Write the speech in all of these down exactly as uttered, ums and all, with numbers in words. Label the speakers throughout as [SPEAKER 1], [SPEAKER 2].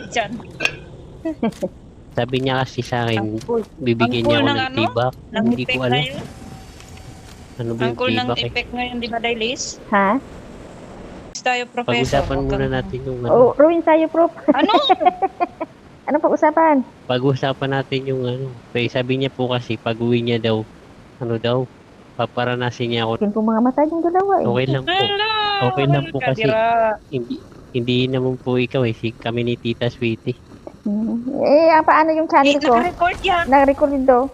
[SPEAKER 1] dyan.
[SPEAKER 2] Sabi niya kasi sa
[SPEAKER 1] Ang
[SPEAKER 2] akin,
[SPEAKER 1] cool.
[SPEAKER 2] bibigyan niya
[SPEAKER 1] Ang cool
[SPEAKER 2] ako
[SPEAKER 1] ng
[SPEAKER 2] ng
[SPEAKER 1] ano?
[SPEAKER 2] tibak.
[SPEAKER 1] Ng
[SPEAKER 2] Hindi ko
[SPEAKER 1] effect
[SPEAKER 2] alam.
[SPEAKER 1] ngayon?
[SPEAKER 2] Ano ba
[SPEAKER 1] Ang
[SPEAKER 2] yung
[SPEAKER 1] cool ng
[SPEAKER 2] tibak eh.
[SPEAKER 1] effect ngayon, di ba, Dailis?
[SPEAKER 3] Ha?
[SPEAKER 1] Tayo, professor.
[SPEAKER 2] Pag-usapan
[SPEAKER 1] Huwag
[SPEAKER 2] muna
[SPEAKER 1] kang-
[SPEAKER 2] natin yung
[SPEAKER 3] Oo,
[SPEAKER 2] ano.
[SPEAKER 3] Ruin sa'yo, Prof.
[SPEAKER 1] Ano?
[SPEAKER 3] Ano pag-usapan?
[SPEAKER 2] Pag-usapan natin yung ano. Kaya sabi niya po kasi, pag-uwi niya daw, ano daw, paparanasin niya ako.
[SPEAKER 3] Yun po mga mata yung dalawa eh.
[SPEAKER 2] Okay lang po.
[SPEAKER 1] Hello!
[SPEAKER 2] Okay lang po kasi.
[SPEAKER 1] Kadira.
[SPEAKER 2] Hindi, hindi naman po ikaw eh. Si, kami ni Tita Sweetie.
[SPEAKER 3] Hmm. Eh, ah, paano yung
[SPEAKER 1] Eh,
[SPEAKER 3] channel ko?
[SPEAKER 1] naka-record yan.
[SPEAKER 3] Na-record din daw.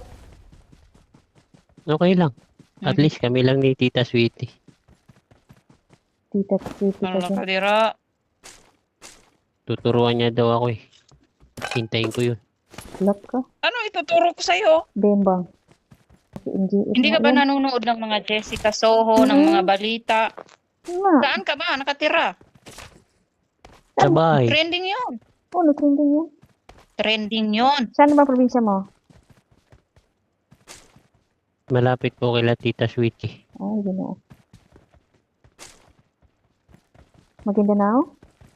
[SPEAKER 2] Okay lang. At
[SPEAKER 1] Mhm.
[SPEAKER 2] least kami lang ni Tita Sweetie.
[SPEAKER 3] Tita, tita,
[SPEAKER 1] Ano
[SPEAKER 3] tita.
[SPEAKER 1] kadira?
[SPEAKER 2] Tuturuan niya daw ako eh. Hintayin ko yun.
[SPEAKER 3] Lock ka.
[SPEAKER 1] Ano ituturo ko sa'yo?
[SPEAKER 3] Bembang. Si M G F
[SPEAKER 1] Hindi ka
[SPEAKER 3] nga
[SPEAKER 1] ba
[SPEAKER 3] yan.
[SPEAKER 1] nanonood ng mga Jessica Soho, ng
[SPEAKER 3] Mhm.
[SPEAKER 1] mga balita?
[SPEAKER 3] Nga.
[SPEAKER 1] Saan ka ba? Nakatira?
[SPEAKER 2] Sa bahay.
[SPEAKER 1] Trending yun.
[SPEAKER 3] Ano, trending yan?
[SPEAKER 1] Trending yun.
[SPEAKER 3] Saan naman probinsya mo?
[SPEAKER 2] Malapit po kila Tita Sweetie.
[SPEAKER 3] Ay, gano'n. Maguindanao?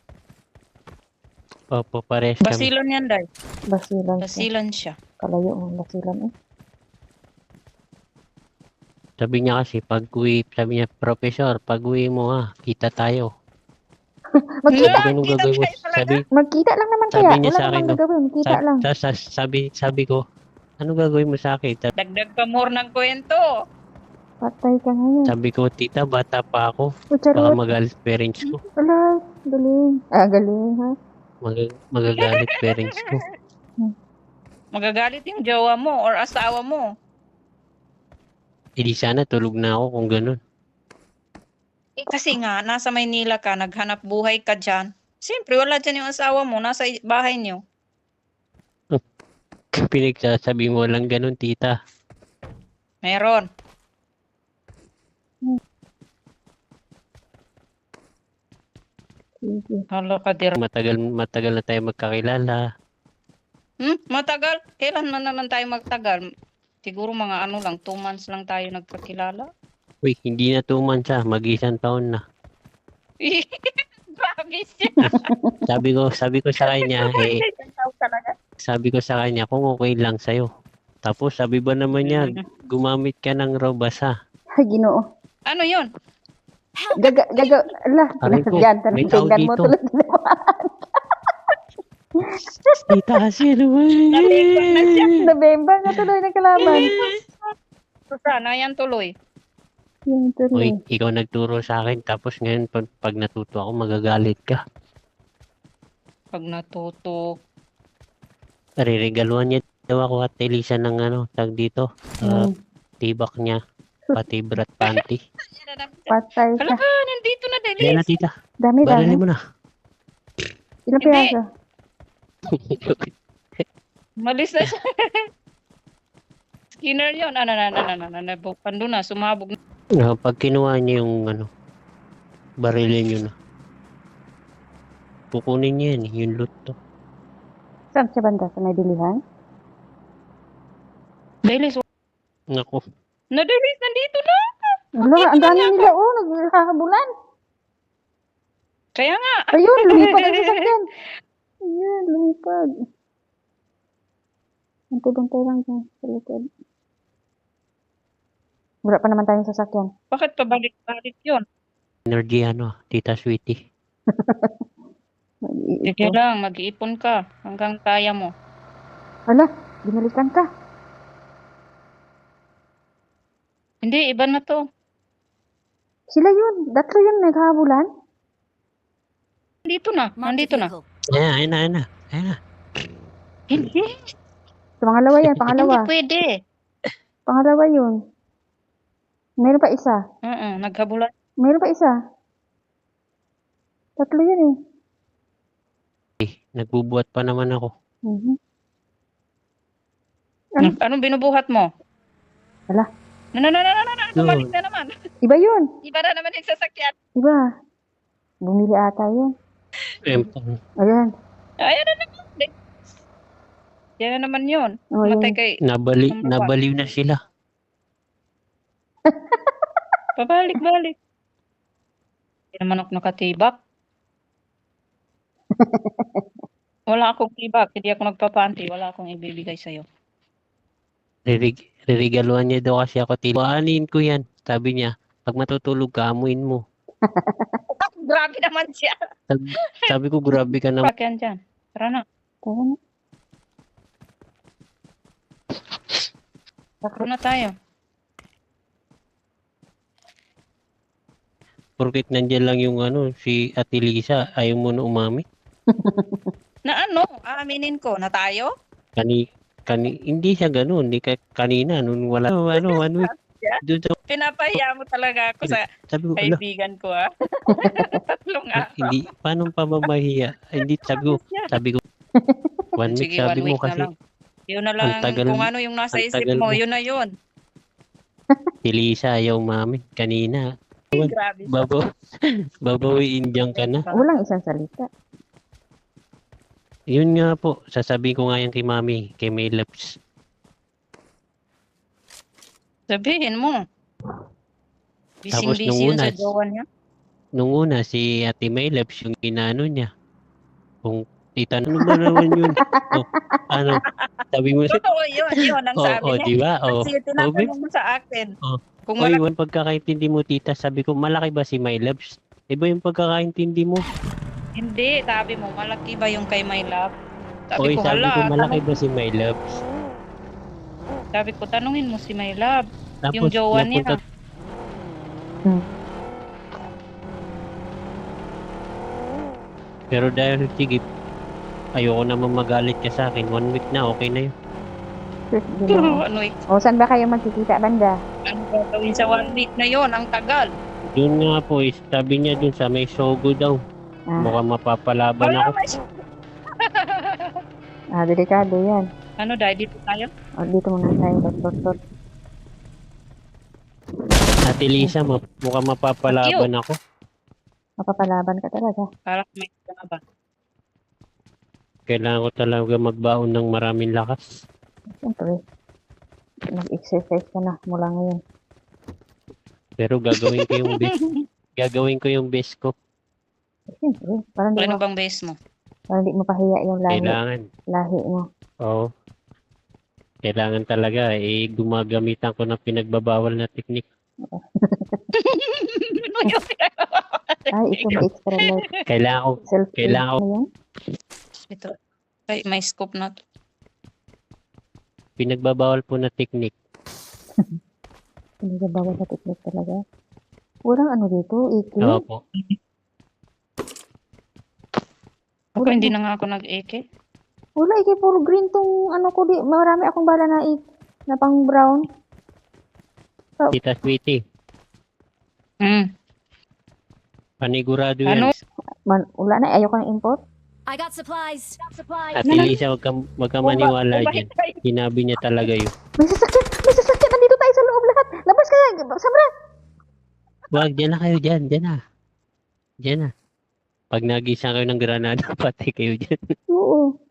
[SPEAKER 2] Opo, pares kami.
[SPEAKER 1] Basilan yan, Day.
[SPEAKER 3] Basilan siya.
[SPEAKER 1] Basilan siya.
[SPEAKER 3] Kalayo mo, basilan eh.
[SPEAKER 2] Sabi niya kasi, pag uwi, sabi niya, Professor, pag uwi mo ha, kita tayo.
[SPEAKER 3] Magkita,
[SPEAKER 2] Sabi ganun
[SPEAKER 1] kita
[SPEAKER 2] gagawin mo.
[SPEAKER 1] tayo talaga?
[SPEAKER 2] Sabi,
[SPEAKER 3] magkita lang naman
[SPEAKER 2] Sabi
[SPEAKER 3] kaya.
[SPEAKER 2] niya
[SPEAKER 3] Wala
[SPEAKER 2] sa akin,
[SPEAKER 3] namang
[SPEAKER 2] no?
[SPEAKER 3] gagawin. Kita
[SPEAKER 2] sa,
[SPEAKER 3] lang.
[SPEAKER 2] sa, sa, sabi, sabi ko, ano gagawin mo sa akin? Sabi,
[SPEAKER 1] Dagdag pa more ng kwento.
[SPEAKER 3] Patay ka ngayon.
[SPEAKER 2] sabi ko, tita, bata pa ako.
[SPEAKER 3] O,
[SPEAKER 2] Baka
[SPEAKER 3] charot.
[SPEAKER 2] magalit parents ko.
[SPEAKER 3] Wala. Galing. Ah, galing ha.
[SPEAKER 2] Mag- magagalit parents ko.
[SPEAKER 1] Magagalit yung jowa mo or asawa mo.
[SPEAKER 2] Eh di sana tulog na ako kung ganun.
[SPEAKER 1] Eh, kasi nga, nasa Maynila ka, naghanap buhay ka dyan. Siyempre, wala dyan yung asawa mo, nasa i- bahay niyo.
[SPEAKER 2] Pinagsasabi mo lang ganun, tita.
[SPEAKER 1] Meron.
[SPEAKER 3] Sige.
[SPEAKER 1] Hala ka, dir.
[SPEAKER 2] Matagal, matagal na tayo magkakilala.
[SPEAKER 1] Hmm? Matagal? Kailan man naman tayo magtagal? Siguro mga ano lang, two months lang tayo nagkakilala.
[SPEAKER 2] Uy, hindi na two months ah, mag-isang taon na.
[SPEAKER 1] Grabe siya.
[SPEAKER 2] Sabi ko, sabi ko sa kanya, eh,
[SPEAKER 1] Talaga.
[SPEAKER 2] sabi ko sa kanya, kung okay lang sa'yo. Tapos sabi ba naman niya, gumamit ka ng raw basa.
[SPEAKER 3] Ay, ginoo.
[SPEAKER 1] Ano yun?
[SPEAKER 3] Gaga, gaga, ala.
[SPEAKER 2] Aray ko,
[SPEAKER 3] Yan,
[SPEAKER 2] may tao
[SPEAKER 3] tingnan mo
[SPEAKER 2] dito.
[SPEAKER 3] tuloy.
[SPEAKER 2] Tita kasi naman.
[SPEAKER 1] Nalipag na siya.
[SPEAKER 3] Nabemba nga tuloy ng kalaban.
[SPEAKER 1] Sana yan tuloy.
[SPEAKER 3] Yan tuloy.
[SPEAKER 2] Uy, ikaw nagturo sa akin, tapos ngayon pag, pag natuto ako, magagalit ka.
[SPEAKER 1] Pag natuto.
[SPEAKER 2] Nariregaluhan niya daw ako at Elisa ng ano, tag dito, ah,
[SPEAKER 3] Hmm.
[SPEAKER 2] tibak niya, pati brat panty.
[SPEAKER 3] Patay
[SPEAKER 1] Hala
[SPEAKER 3] ka.
[SPEAKER 1] ka, nandito na,
[SPEAKER 2] Yan
[SPEAKER 1] Delis.
[SPEAKER 2] na tita,
[SPEAKER 3] Dami, dami.
[SPEAKER 2] barili mo na.
[SPEAKER 3] Ilang
[SPEAKER 1] Hindi.
[SPEAKER 3] piraso?
[SPEAKER 1] Malis na siya. Skinner yun. Ano na, na, na, na, na, na, pando na, sumabog na.
[SPEAKER 2] Ah, pag kinuha niya yung ano, barilin niyo na. Kukunin niya yan, yung loot to.
[SPEAKER 3] Saan siya banda? Sa may bilihan?
[SPEAKER 1] Delis,
[SPEAKER 2] Naku,
[SPEAKER 1] na Delis, nandito na.
[SPEAKER 3] Wala, ang dami nila oh. Naghahabulan.
[SPEAKER 1] Kaya nga.
[SPEAKER 3] Ayun, lumipad ang sasakyan. Ayun, lumipad. Bantay-bantay lang dyan sa likod. Wala pa naman tayong sasakyan.
[SPEAKER 1] Bakit pabalik-balik yun?
[SPEAKER 2] energy ano, tita Sweetie.
[SPEAKER 1] Sige
[SPEAKER 3] Mag-iipon.
[SPEAKER 1] lang, mag-iipon ka hanggang kaya mo.
[SPEAKER 3] Hala, binalikan ka.
[SPEAKER 1] Hindi, iba na to.
[SPEAKER 3] Sila yun. Datlo yun naghahabulan.
[SPEAKER 1] Nandito na, nandito na.
[SPEAKER 2] Ayan, ayan na, ayan na, ayan na.
[SPEAKER 1] Hindi,
[SPEAKER 3] Sa pangalawa yan,
[SPEAKER 1] hindi
[SPEAKER 3] pangalawa.
[SPEAKER 1] pwede.
[SPEAKER 3] Pangalawa yun. Meron pa isa.
[SPEAKER 1] Oo, naghabulan.
[SPEAKER 3] Meron pa isa. Tatlo yun eh.
[SPEAKER 2] Nagbubuhat pa naman ako.
[SPEAKER 3] Mhm. Ano?
[SPEAKER 1] Anong binubuhat mo?
[SPEAKER 3] Wala.
[SPEAKER 1] Na, na, na, na, na, na, bumalik na naman.
[SPEAKER 3] Iba yun.
[SPEAKER 1] Iba na naman yung sasakyan.
[SPEAKER 3] Iba. Bumili ata yun.
[SPEAKER 2] Empang.
[SPEAKER 3] Ayan.
[SPEAKER 1] Ayan na naman. Yan na naman yun.
[SPEAKER 3] Oh,
[SPEAKER 1] Matay
[SPEAKER 3] yun.
[SPEAKER 1] kay,
[SPEAKER 2] Nabali,
[SPEAKER 1] Number one.
[SPEAKER 2] nabaliw na sila.
[SPEAKER 1] pabalik-balik. Hindi naman ako nakatibak. Wala akong tibak, hindi ako nagpapanti, wala akong ibibigay sa'yo.
[SPEAKER 2] Ririg ririgaluhan niya daw kasi ako, tito. Aanin ko yan. Sabi niya, pag matutulog ka, amuin mo.
[SPEAKER 1] Grabe naman siya.
[SPEAKER 2] Sabi, sabi ko, grabe ka naman.
[SPEAKER 1] Bakyan dyan. Tara na.
[SPEAKER 3] Tara na.
[SPEAKER 1] Tara na tayo.
[SPEAKER 2] Porkit nandyan lang yung ano, si Ate Lisa, ayaw mo na umami.
[SPEAKER 1] Na ano? Aaminin ko na tayo?
[SPEAKER 2] Kani, kani, hindi siya ganun. Hindi ka, kanina, nung wala, ano, ano, one week. Doon sa,
[SPEAKER 1] Pinapahiya mo talaga ako sa
[SPEAKER 2] sabi ko, ala,
[SPEAKER 1] kaibigan ko ah. Tatlong araw.
[SPEAKER 2] hindi, paano pamamahiya? Hindi, sabi ko, sabi ko, one week,
[SPEAKER 1] Sige,
[SPEAKER 2] sabi
[SPEAKER 1] one
[SPEAKER 2] mo
[SPEAKER 1] week na
[SPEAKER 2] kasi,
[SPEAKER 1] lang. Yun na lang,
[SPEAKER 2] tagal-
[SPEAKER 1] kung ano yung nasa
[SPEAKER 2] ang
[SPEAKER 1] isip
[SPEAKER 2] tagal
[SPEAKER 1] mo,
[SPEAKER 2] mo.
[SPEAKER 1] yun na yun.
[SPEAKER 2] si Lisa ayaw umami. Kanina,
[SPEAKER 1] Grabe siya.
[SPEAKER 2] babaw, babawiin dyan ka na.
[SPEAKER 3] Walang isang salita.
[SPEAKER 2] Yun nga po, sasabihin ko nga yan kay Mami, kay May Loves.
[SPEAKER 1] Sabihin mo.
[SPEAKER 2] Tapos
[SPEAKER 1] Bising-busy
[SPEAKER 2] nung
[SPEAKER 1] yun
[SPEAKER 2] una,
[SPEAKER 1] sa jowa niya.
[SPEAKER 2] Nung una, si Ate May Loves yung inano niya. Kung tita, ano ba naman yun? Oh, ano, sabi mo,
[SPEAKER 1] Totoo yun, yun ang
[SPEAKER 2] oh,
[SPEAKER 1] sabi
[SPEAKER 2] oh,
[SPEAKER 1] niya.
[SPEAKER 2] di ba? Oh,
[SPEAKER 1] Kasi tinatanong mo sa akin.
[SPEAKER 2] Oh.
[SPEAKER 1] Kung
[SPEAKER 2] Oy,
[SPEAKER 1] malaki
[SPEAKER 2] yung pagkakaintindi mo, tita, sabi ko, malaki ba si My Loves? Iba yung pagkakaintindi mo.
[SPEAKER 1] hindi, sabi mo, malaki ba yung kay my love? Sabi
[SPEAKER 2] Oy,
[SPEAKER 1] ko,
[SPEAKER 2] sabi
[SPEAKER 1] hala,
[SPEAKER 2] ko, malaki
[SPEAKER 1] tanong-
[SPEAKER 2] ba si My Loves?
[SPEAKER 1] sabi ko, tanungin mo si my love.
[SPEAKER 2] Tapos,
[SPEAKER 1] Yung jowa niya.
[SPEAKER 2] napunta-
[SPEAKER 3] Hmm.
[SPEAKER 2] Pero dahil, sige, ayoko naman magalit ka sa akin. One week na, okay na yun.
[SPEAKER 3] Sus, ginawa.
[SPEAKER 1] ano, eh,
[SPEAKER 3] O, saan ba kayo magkikita, banda?
[SPEAKER 1] ano gagawin sa one week na yon ang tagal.
[SPEAKER 2] Yun nga po, is, sabi niya dun sa may Sogo daw.
[SPEAKER 3] Ah,
[SPEAKER 2] Mukhang mapapalaban
[SPEAKER 1] Wala,
[SPEAKER 2] ako.
[SPEAKER 1] may-
[SPEAKER 3] ah delikado yan.
[SPEAKER 1] ano, dahil dito tayo?
[SPEAKER 3] O, dito muna tayo, dot, dot, dot.
[SPEAKER 2] Ate Lisa, ma- mukhang mapapalaban ako.
[SPEAKER 3] Mapapalaban ka talaga.
[SPEAKER 1] Para may ka ba?
[SPEAKER 2] Kailangan ko talaga magbaon ng maraming lakas.
[SPEAKER 3] Siyempre, mag-exercise ka na mula ngayon.
[SPEAKER 2] Pero gagawin ko yung best. Gagawin ko yung best ko.
[SPEAKER 3] Siyempre, parang di
[SPEAKER 1] Ano
[SPEAKER 3] mo,
[SPEAKER 1] bang base mo?
[SPEAKER 3] parang di mo pahiya yung lahi,
[SPEAKER 2] Kailangan.
[SPEAKER 3] lahi mo.
[SPEAKER 2] Oo. Kailangan talaga. Eh, gumagamitan ko ng pinagbabawal na teknik.
[SPEAKER 1] Ano yun?
[SPEAKER 3] Ay, ito may extra life.
[SPEAKER 2] Kailangan ko.
[SPEAKER 3] Self
[SPEAKER 2] Kailangan
[SPEAKER 3] ano yan?
[SPEAKER 1] Ito. Ay, may scope na to.
[SPEAKER 2] Pinagbabawal po na teknik.
[SPEAKER 3] Pinagabawal na technique talaga. Walang ano dito, iki.
[SPEAKER 2] Oo po.
[SPEAKER 1] Ako hindi na nga ako nag-eke.
[SPEAKER 3] Wala, iki puro green tong ano ko di. Marami akong bala na ik na pang brown.
[SPEAKER 2] Tita Sweetie.
[SPEAKER 1] Hmm.
[SPEAKER 2] Panigurado yan.
[SPEAKER 1] Ano?
[SPEAKER 3] Man, wala na, ayoko ng import.
[SPEAKER 4] I got supplies. Got supplies.
[SPEAKER 2] Ate Lisa, wag ka, wag ka maniwala dyan. Sinabi niya talaga yun.
[SPEAKER 3] May sasakyan! May sasakyan! Nandito tayo sa loob lahat! Labas ka! Sabra!
[SPEAKER 2] Wag, dyan na kayo dyan. Dyan na. Dyan na. Pag nagisang kayo ng granada, patay kayo dyan.
[SPEAKER 3] Oo.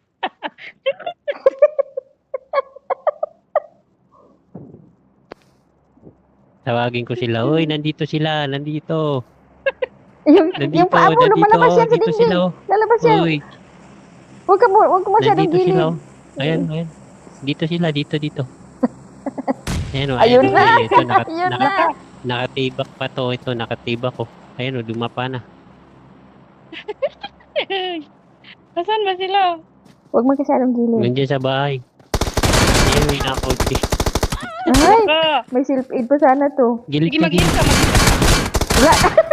[SPEAKER 2] Tawagin ko sila. Uy, nandito sila. Nandito.
[SPEAKER 3] Yung,
[SPEAKER 2] Nandito.
[SPEAKER 3] yung paa mo,
[SPEAKER 2] nandito.
[SPEAKER 3] lumalabas yan sa
[SPEAKER 2] Dito
[SPEAKER 3] dingding.
[SPEAKER 2] sila. oh.
[SPEAKER 3] Lalabas yan.
[SPEAKER 2] Uy,
[SPEAKER 3] Huwag ka mo, huwag ka masyadong
[SPEAKER 2] nandito sila.
[SPEAKER 3] gilid.
[SPEAKER 2] oh. Ayan, ayan. Dito sila. Dito, dito. Ayan, oh,
[SPEAKER 3] Ayun
[SPEAKER 2] ayan,
[SPEAKER 3] na.
[SPEAKER 2] oh, Ito, naka,
[SPEAKER 3] Yun
[SPEAKER 2] naka,
[SPEAKER 3] na.
[SPEAKER 2] nakatibak pa to. Ito, nakatibak ko. Ayan, oh, dumapa na.
[SPEAKER 1] Asan ba sila?
[SPEAKER 3] Huwag masyadong gilid.
[SPEAKER 2] Nandiyan sa bahay. Ayan, may nakunti.
[SPEAKER 3] Ay,
[SPEAKER 1] Ah,
[SPEAKER 3] may self-aid pa sana to.
[SPEAKER 2] Gilid
[SPEAKER 1] sige,
[SPEAKER 2] ka,
[SPEAKER 1] mag-in
[SPEAKER 2] gilid.
[SPEAKER 1] ka. mag-in ka.
[SPEAKER 3] Wala.